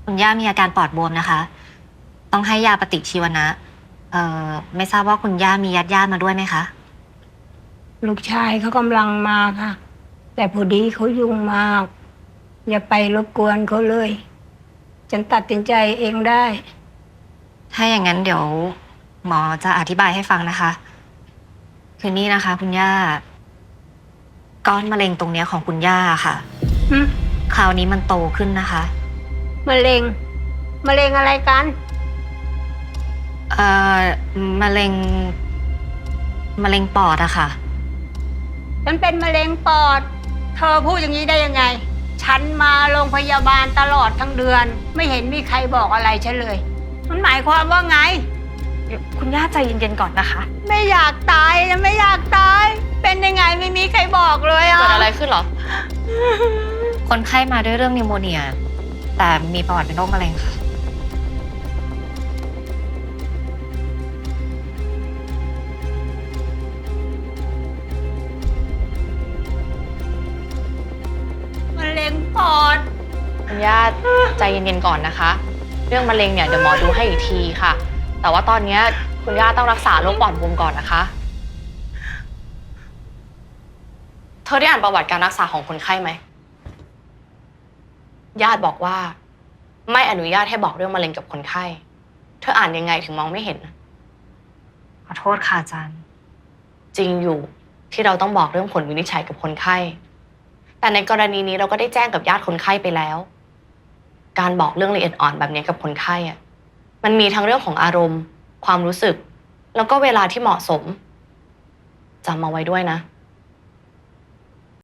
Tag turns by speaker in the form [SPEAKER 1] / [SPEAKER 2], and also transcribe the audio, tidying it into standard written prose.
[SPEAKER 1] คุณย่ามีอาการปอดบวมนะคะ ต้องให้ยาปฏิชีวนะไม่ทราบว่าคุณย่ามีญาติมาด้วยไหมคะ
[SPEAKER 2] ลูกชายเขากำลังมาค่ะ แต่พอดีเขายุ่งมาก อย่าไปรบกวนเขาเลย ฉันตัดสินใจเองได้
[SPEAKER 1] ถ้าอย่างนั้นเดี๋ยวหมอจะอธิบายให้ฟังนะคะ คือนี่นะคะ คุณย่าก้อนมะเร็งตรงเนี้ยของคุณย่าค่ะ
[SPEAKER 2] หึ
[SPEAKER 1] คราวนี้มันโตขึ้นนะคะ
[SPEAKER 2] มะเร็ง มะเร็งอะไรกัน
[SPEAKER 1] เอ่อมะเร็งปอดอะค่ะ
[SPEAKER 2] ฉันเป็นมะเร็งปอด เธอพูดอย่างนี้ได้ยังไง ฉันมาโรงพยาบาลตลอดทั้งเดือน ไม่เห็นมีใครบอกอะไรฉันเลย มันหมายความว่าไง
[SPEAKER 3] คุณย่าใจเย็นๆก่อนนะคะ
[SPEAKER 2] ไม่อยากตายนะไม่อยากตาย เป็นยังไงไม่มีใครบอกเลยอ่ะ
[SPEAKER 3] เกิดอะไรขึ้นเหรอ
[SPEAKER 1] คนไข้มาด้วยเรื่องนิวโมเนีย แต่มีประวัติเป็นโรคมะเร็งค่ะ
[SPEAKER 2] มะเร็งปอด
[SPEAKER 3] คุณย่าใจเย็นๆก่อนนะคะ เรื่องมะเร็งเนี่ยเดี๋ยวหมอดูให้อีกทีค่ะ แต่ว่าตอนนี้คุณย่าต้องรักษาโรคปอดบวมก่อนนะคะ เธอได้อ่านประวัติการรักษาของคนไข้ไหม ญาติบอกว่าไม่อนุญาตให้บอกเรื่องมะเร็งกับคนไข้ เธออ่านยังไงถึงมองไม่เห็น
[SPEAKER 1] ขอโทษค่ะอาจารย์
[SPEAKER 3] จริงอยู่ที่เราต้องบอกเรื่องผลวินิจฉัยกับคนไข้ แต่ในกรณีนี้เราก็ได้แจ้งกับญาติคนไข้ไปแล้ว การบอกเรื่องละเอียดอ่อนแบบนี้กับคนไข้อะมันมีทั้งเรื่องของอารมณ์ ความรู้สึก แล้วก็เวลาที่เหมาะสมจำเอาไว้ด้วยนะ